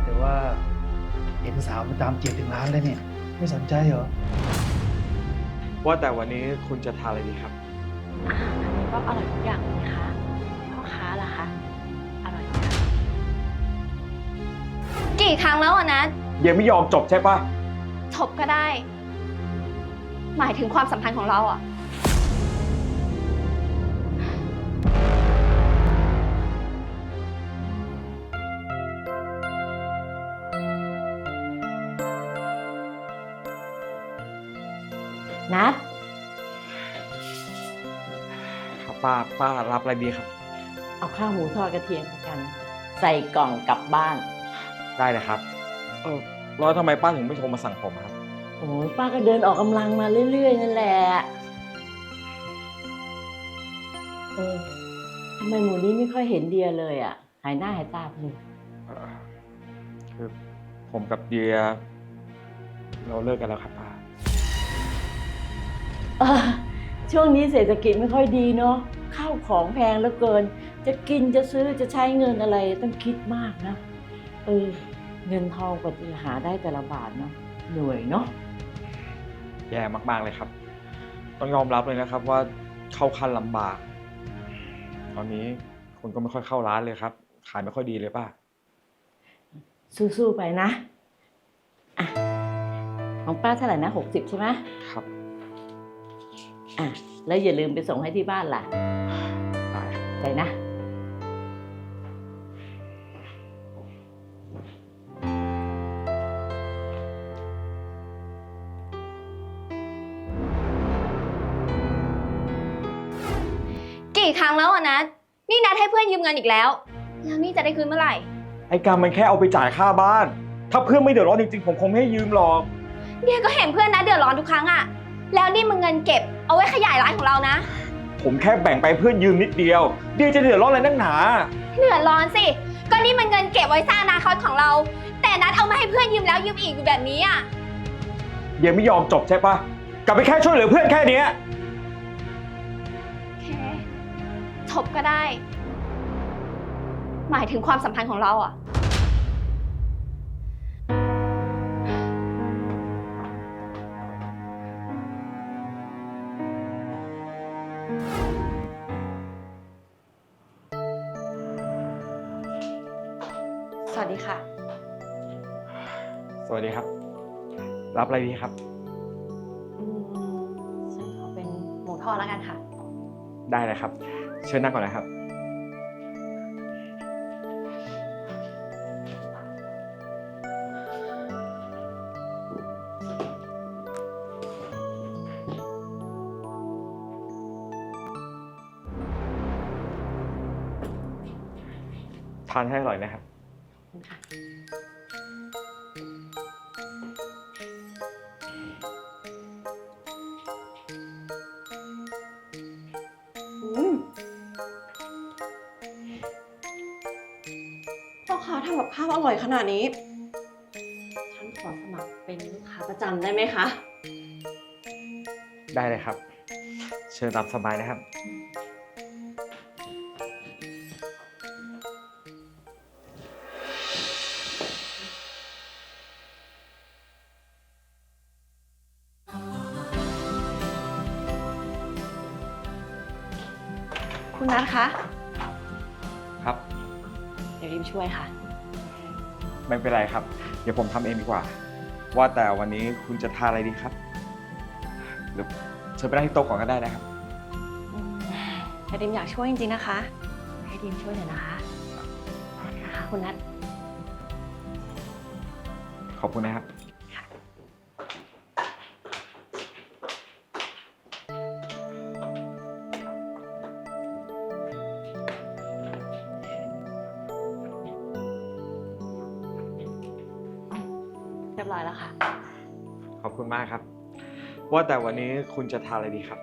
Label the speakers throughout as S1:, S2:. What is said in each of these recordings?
S1: แต่ว่าเห็นสาวมาตามจีบถึงร้านเลยเนี่ยไม่สนใจเหรอ
S2: ว่าแต่วันนี้คุณจะทานอะไรดีครับ
S3: อาหารอันนี้ก็อร่อยทุกอย่างเลยนะคะพ่อค้าล่ะคะอร่อยไหมคะ
S4: กี่ครั้งแล้วอะนัท
S2: ยังไม่ยอมจบใช่ปะ
S4: จบก็ได้ หมายถึงความสัมพันธ์ของเราอะ
S3: นัด
S2: ครับป้ารับอะไรดีครับ
S3: เอาข้าวหมูทอดกระเทียมกัน ใส่กล่องกลับบ้าน
S2: ได้เลยครับแล้วทำไมป้าถึงไม่โทรมาสั่งผมครับ
S3: โอ้ยป้าก็เดินออกกำลังมาเรื่อยๆนั่นแหละทำไมหมูนี้ไม่ค่อยเห็นเดียเลยอ่ะหายหน้าหายตาไปเลย
S2: คือผมกับเดียเราเลิกกันแล้วครับป้า
S3: ช่วงนี้เศรษฐกิจไม่ค่อยดีเนาะข้าวของแพงเหลือเกินจะกินจะซื้อจะใช้เงินอะไรต้องคิดมากนะเงินทองกว่าจะหาได้แต่ละบาทเนาะเหนื่อยเนาะ
S2: แย่มากๆเลยครับต้องยอมรับเลยนะครับว่าเข้าขั้นลำบากตอนนี้คนก็ไม่ค่อยเข้าร้านเลยครับขายไม่ค่อยดีเลยป้า
S3: สู้ๆไปนะอ่ะของป้าเท่าไหร่นะ60ใช่ไหม
S2: ครับ
S3: แล้วอย่าลืมไปส่งให้ที่บ้านล่ะ
S2: ได้
S3: ไปนะ
S4: กี่ครั้งแล้วอะนัทนี่นัทให้เพื่อนยืมเงินอีกแล้วนี่จะได้คืนเมื่อไหร่
S2: ไอ้การมันแค่เอาไปจ่ายค่าบ้านถ้าเพื่อนไม่เดือดร้อนจริงๆผมคงไม่ให้ยืมหรอก
S4: เดียก็เห็นเพื่อนนัทเดือดร้อนทุกครั้งอะแล้วนี่มันเงินเก็บเอาไว้ขยายร้านของเรานะ
S2: ผมแค่แบ่งไปเพื่อนยืมนิดเดียวเดียจะเดือดร้อนอะไรนักหนา
S4: เดือดร้อนสิก็นี่มันเงินเก็บไว้สร้างอนาคตของเราแต่นัทเอามาให้เพื่อนยืมแล้วยืมอีกอยู่แบบนี้อะ
S2: เดียไม่ยอมจบใช่ปะกลับไปแค่ช่วยเหลือเพื่อนแค่นี้
S4: โอเคจบก็ได้ หมายถึงความสัมพันธ์ของเราอะสวัสดีค่ะ
S2: สวัสดีครับรับอะไรดีครับ
S4: ฉันขอเป็นหมูทอดแล้วกันค่ะ
S2: ได้เลยครับเชิญนั่งก่อนนะครับทานให้อร่อยนะครับ
S5: พ่อค้าทำกับข้าวอร่อยขนาดนี้ ฉันขอสมัครเป็นลูกค้าประจำได้ไหมคะ
S2: ได้เลยครับเชิญตามสบายนะครับ
S4: คุณนัทคะ
S2: ครับ
S4: เดี๋ยวริมช่วยค่ะ
S2: ไม่เป็นไรครับเดี๋ยวผมทำเองดีกว่าว่าแต่วันนี้คุณจะทานอะไรดีครับหรือเชิญไปนั่งที่โต๊ะก่อนก็ได้นะครับ
S4: แต่ริมอยากช่วยจริงๆนะคะให้ริมช่วยหน่อยนะคะคุณนัท
S2: ขอบคุณนะครับ
S4: เรียบร้อยแล้วค่ะ
S2: ขอบคุณมากครับว่าแต่วันนี้คุณจะทานอะไรดีครับ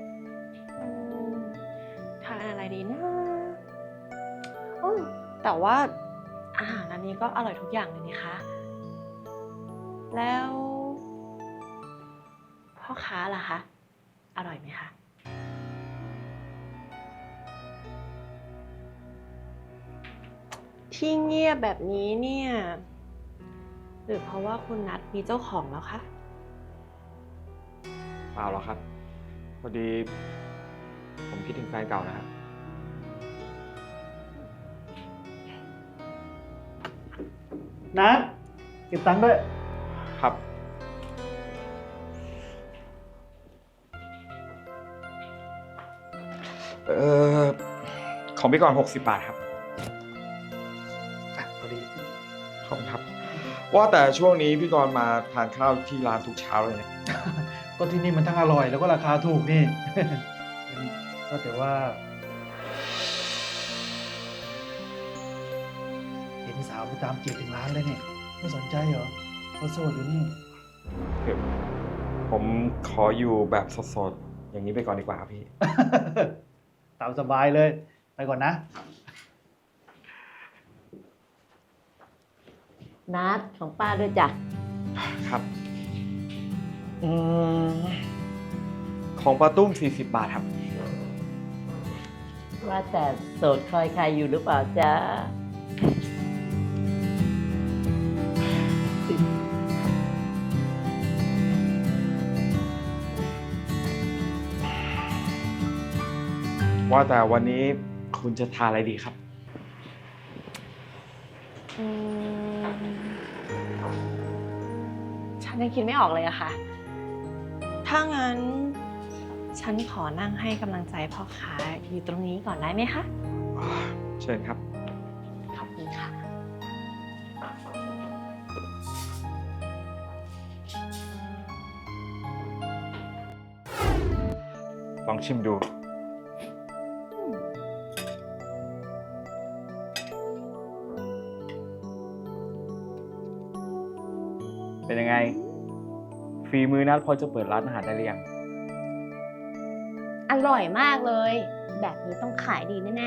S4: ทานอะไรดีนะแต่ว่าอาหารอันนี้ก็อร่อยทุกอย่างเลยนี่คะแล้วพ่อค้าล่ะคะอร่อยไหมคะ
S5: ที่เงียบแบบนี้เนี่ยหรือเพราะว่าคุณนัทมีเจ้าของแล้วคะ
S2: เปล่าหรอกครับ พอดี ผมคิดถึงแฟนเก่านะครับ
S1: นัดเก็บตังค์ด้วย
S2: ครับ เอ่อ ของพี่กรณ์60 บาทครับ
S1: อ่ะพอดี
S2: ขอบคุณครับ ว่าแต่ช่วงนี้พี่กรณ์มาทานข้าวที่ร้านทุกเช้าเลยนะ
S1: ก็ที่นี่มันทั้งอร่อยแล้วก็ราคาถูกนี่ ก็แต่ว่า เห็นสาวไปตามจีบถึงร้านเลยเนี่ย ไม่สนใจเหรอเขาโสดอยู่นี่
S2: ผมขออยู่แบบสดๆ อย่างนี้ไปก่อนดีกว่าครับพี่
S1: ตามสบายเลย ไปก่อนนะ
S3: นัดของป้าด้วยจ้ะ
S2: ครับอืมของปลาตุ้ม40 บาทครับ
S3: ว่าแต่โสดคอยใครอยู่หรือเปล่าจ๊ะ
S2: ว่าแต่วันนี้คุณจะทานอะไรดีครับ
S4: อืมฉันยังคิดไม่ออกเลยอะค่ะ ถ้างั้น ฉันขอนั่งให้กำลังใจพ่อค้าอยู่ตรงนี้ก่อนได้ไหมคะ
S2: เชิญครับ
S4: ขอบคุณค่ะ
S2: ลองชิมดู เป็นยังไง ฝีมือนัดพอจะเปิดร้านอาหารได้หรือยัง
S6: อร่อยมากเลย แบบนี้ต้องขายดีแน่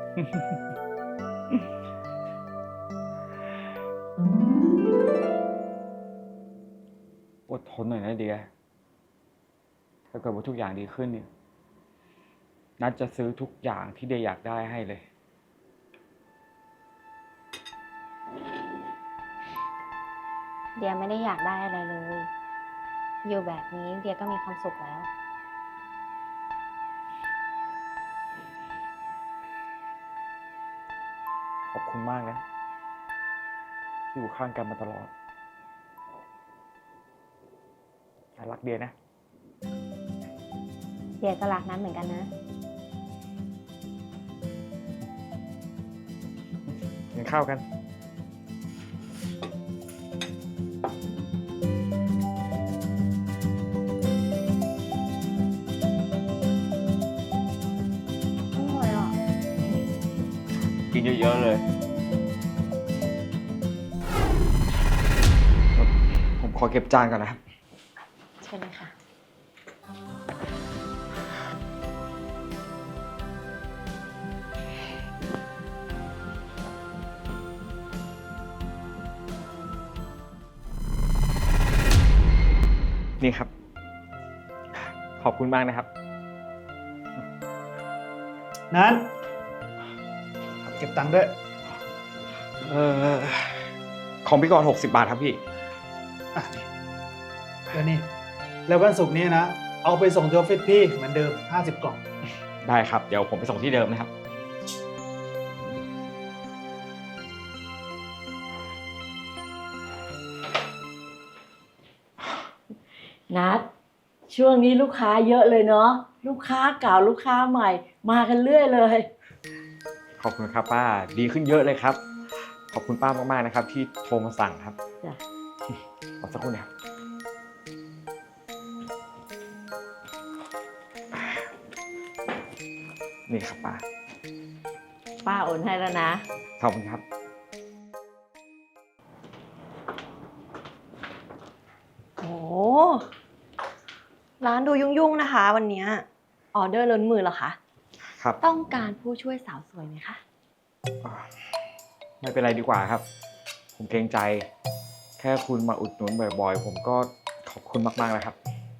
S2: อดทนหน่อยนะเดีย ถ้าเกิดว่าทุกอย่างดีขึ้นเนี่ย นัดจะซื้อทุกอย่างที่เดียอยากได้ให้เลย
S6: ๆ เดียไม่ได้อยากได้อะไรเลย อยู่แบบนี้เดียก็มีความสุขแล้ว
S2: ขอบคุณมากนะ ที่อยู่ข้างกันมาตลอดฉันรักเดียนะ
S6: เดียก็รักนั้นเหมือนกันนะ
S2: กินข้าวกัน
S6: อร่อยอ่ะ
S2: กินเยอะๆเลย ผมขอเก็บจานก่อนนะครับ
S4: เชิญเลยค่ะ
S2: นี่ครับ ขอบคุณมากนะครับ
S1: นั้นเก็บตังค์ด้วย
S2: ของพี่กรณ์60 บาทครับพี่
S1: อ่ะนี่แล้วนี่ แล้ววันศุกร์นี้นะ เอาไปส่งที่ออฟฟิศพี่เหมือนเดิม 50 กล่อง
S2: ได้ครับ เดี๋ยวผมไปส่งที่เดิมนะครับ
S3: นัดช่วงนี้ลูกค้าเยอะเลยเนาะลูกค้าเก่าลูกค้าใหม่ มากันเรื่อยเลย
S2: ขอบคุณครับป้า ดีขึ้นเยอะเลยครับ ขอบคุณป้ามากๆนะครับ ที่โทรมาสั่งครับ
S3: จ้ะ
S2: ขอสักครู่นะครับ นี่ครับป้า
S3: ป้าโอนให้แล้วนะ
S2: ขอบคุณครับ
S4: โอ้ร้านดูยุ่งๆนะคะ วันเนี้ยออเดอร์ล้นมือเหรอคะ
S2: ครับ
S4: ต้องการผู้ช่วยสาวสวยไหมคะ
S2: ไม่เป็นไรดีกว่าครับ ผมเกรงใจ แค่คุณมาอุดหนุนบ่อยๆ ผมก็ขอบคุณมากๆเลยครับ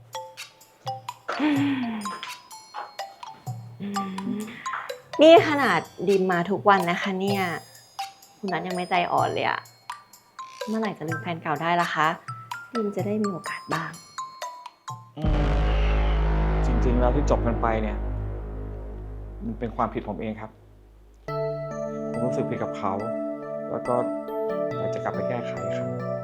S4: นี่ขนาดดิมมาทุกวันนะคะเนี่ย คุณนัทยังไม่ใจอ่อนเลยอะเมื่อไหร่จะลืมแฟนเก่าได้ล่ะคะดีมจะได้มีโอกาสบ้าง
S2: จริงๆแล้วที่จบกันไปเนี่ย มันเป็นความผิดผมเองครับ ผมรู้สึกผิดกับเขา แล้วก็อยากจะกลับไปแก้ไขครับ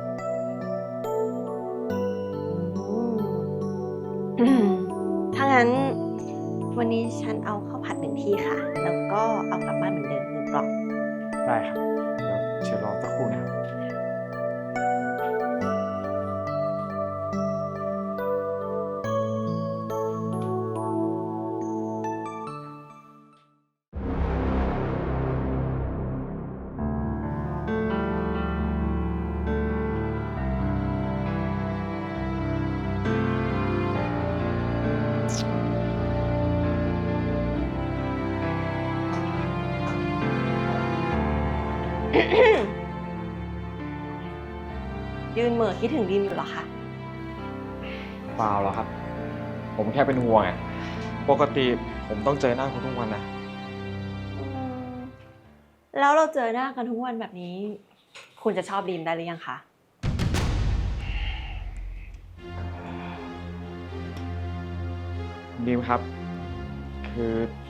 S4: ถ้างั้นวันนี้ฉันเอาข้าวผัด1 ที่ค่ะ แล้วก็เอากลับบ้านเหมือนเดิม1 กล่อง
S2: ได้ครับ เดี๋ยวเชิญรอสักครู่นะครับ
S4: ยืนเหม่อคิดถึงดีมอยู่เหรอคะ
S2: เปล่าหรอกครับ ผมแค่เป็นห่วงอะปกติผมต้องเจอหน้าคุณทุกวันนะ
S4: แล้วเราเจอหน้ากันทุกวันแบบนี้ คุณจะชอบดีมได้หรือยังคะ
S2: ดีมครับ คือ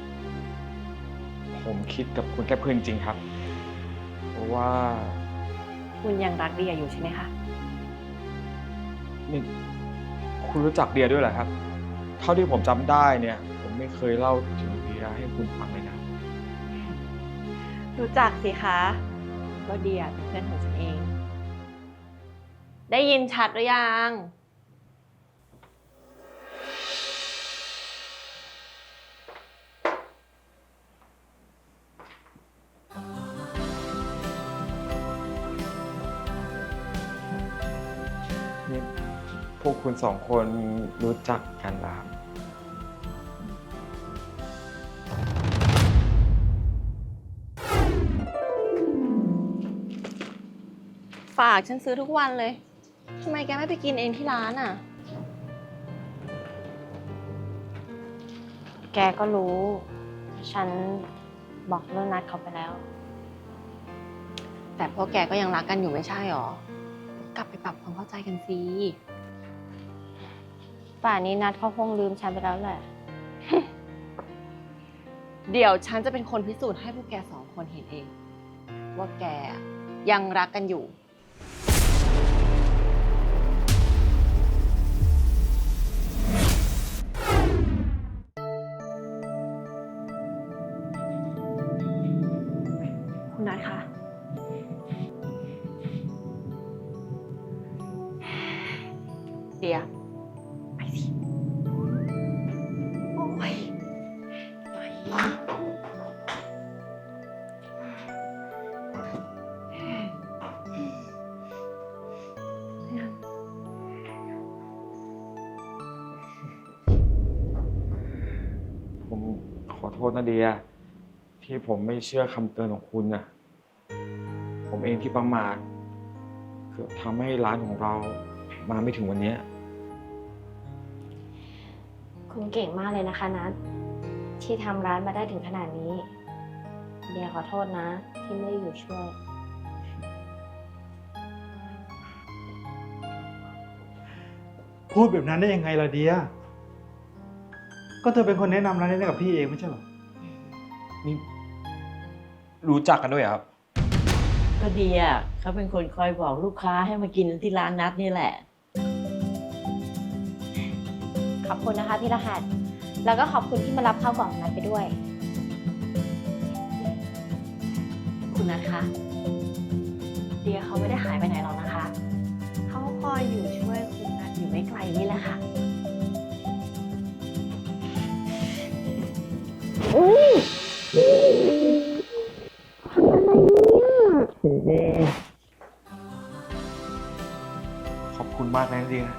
S2: ผมคิดกับคุณแค่เพื่อนจริงครับ เพราะว่า
S4: คุณยังรักเดียอยู่ใช่ไหมคะ
S2: นี่คุณรู้จักเดียด้วยเหรอครับ เท่าที่ผมจำได้เนี่ย ผมไม่เคยเล่าถึงเดียให้คุณฟังเลยนะ
S4: รู้จักสิคะว่าเดียเป็นเพื่อนของฉันเอง ได้ยินชัดหรือยัง
S2: นี่พวกคุณสองคนรู้จักกันเหรอครับ
S4: ฝากฉันซื้อทุกวันเลย ทำไมแกไม่ไปกินเองที่ร้านอ่ะ
S6: แกก็รู้ ฉันบอกเรื่องนัดเขาไปแล้ว
S4: แต่พวกแกก็ยังรักกันอยู่ไม่ใช่หรอ กลับไปปรับความเข้าใจกันสิ
S6: ป่านนี้นัดเขาคงลืมฉันไปแล้วแหละ
S4: เดี๋ยวฉันจะเป็นคนพิสูจน์ให้พวกแก2 คนเห็นเอง ว่าแกยังรักกันอยู่ คุณนัทคะ เดี๋ยวไปสิ โอ้ยไป
S2: ผมขอโทษนะเดีย ที่ผมไม่เชื่อคำเตือนของคุณนะผมเองที่ประมาทเกือบทำให้ร้านของเรามาไม่ถึงวันนี้
S6: คุณเก่งมากเลยนะคะนัทที่ทำร้านมาได้ถึงขนาดนี้ เดียขอโทษนะ ที่ไม่ได้อยู่ช่วย
S1: พูดแบบนั้นได้ยังไงล่ะเดีย ก็เธอเป็นคนแนะนำร้านนี้ให้กับพี่เองไม่ใช่เหรอ
S2: นี่รู้จักกันด้วยเหรอครับ
S3: ก็ดีอ่ะเขาเป็นคนคอยบอกลูกค้าให้มากินที่ร้านนัดนี่แหละ
S6: ขอบคุณนะคะพี่รหัส แล้วก็ขอบคุณที่มารับข้าวกล่องนั้นไปด้วย
S4: คุณนัทคะ เดียเขาไม่ได้หายไปไหนหรอกนะคะ เขาคอยอยู่ช่วยคุณนัทอยู่ไม่ไกลนี่แหละค่ะ
S2: ขอบคุณมากนะเดีย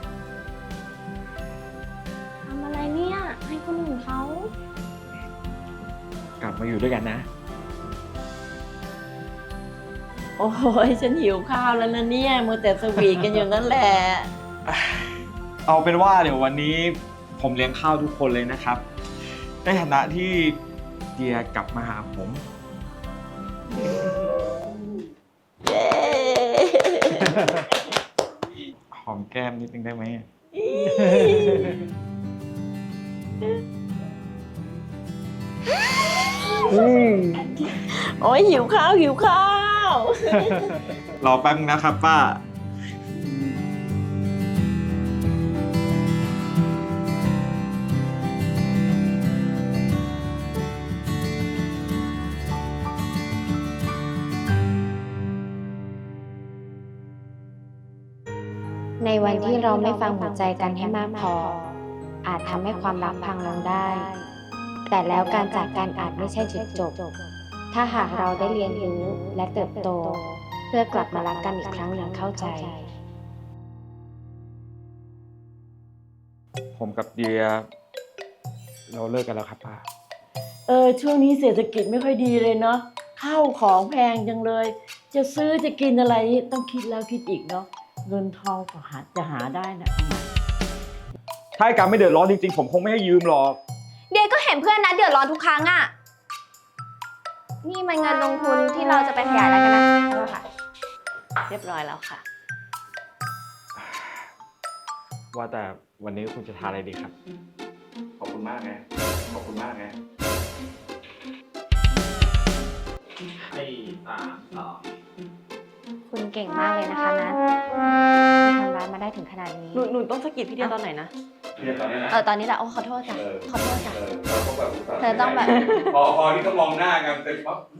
S6: ทำอะไรเนี่ย ให้คนอื่นเขา
S2: กลับมาอยู่ด้วยกันนะ
S3: โอ้ยฉันหิวข้าวแล้วนะเนี่ยมัวแต่สวีทกันอยู่นั่นแหละ
S2: เอาเป็นว่าเดี๋ยววันนี้ผมเลี้ยงข้าวทุกคนเลยนะครับ ในฐานะที่เดียกลับมาหาผม
S3: เย้
S2: หอมแก้มนิดนึงได้ไหม
S3: โอ้ยหิวข้าวหิวข้าว
S2: รอแป๊บนึงนะครับป้า
S6: ในวันที่เราไม่ฟังหัวใจกันให้มากพอ อาจทำให้ความรักพังลงได้ แต่แล้วการจากกันอาจไม่ใช่จุดจบ ถ้าหากเราได้เรียนรู้และเติบโต เพื่อกลับมารักกันอีกครั้งอย่างเข้าใจ
S2: ผมกับเดีย เราเลิกกันแล้วครับป้า
S3: ช่วงนี้เศรษฐกิจไม่ค่อยดีเลยเนาะข้าวของแพงจังเลย จะซื้อจะกินอะไรต้องคิดแล้วคิดอีกเนาะเงินทองก็จะหาได้นะ
S2: ถ้าไอ้การไม่เดือดร้อนจริงๆ ผมคงไม่ให้ยืมหรอก
S6: เดียก็เห็นเพื่อนนัดเดือดร้อนทุกครั้งอะนี่มันเงินลงทุนที่เราจะไปขยายอะไรกันนะแล้วค่ะ
S4: เรียบร้อยแล้วค่ะ
S2: ว่าแต่วันนี้คุณจะทานอะไรดีครับ
S7: ขอบคุณมากไง ขอบคุณมากไง
S6: คุณเก่งมากเลยนะคะนัทที่ทำร้านมาได้ถึงขนาดนี้
S4: หนูต้องสะกิดพี่เดียตอนไหนนะ
S7: เรียนตอนนี้นะ
S6: ตอนนี้แหละโอ้ขอโทษจ้ะ ขอโทษจ้ะ
S7: เราต้องแบบ
S6: เธอต้องแบบ
S7: พอที่ต้องมองหน้ากันเสร็จปั๊บ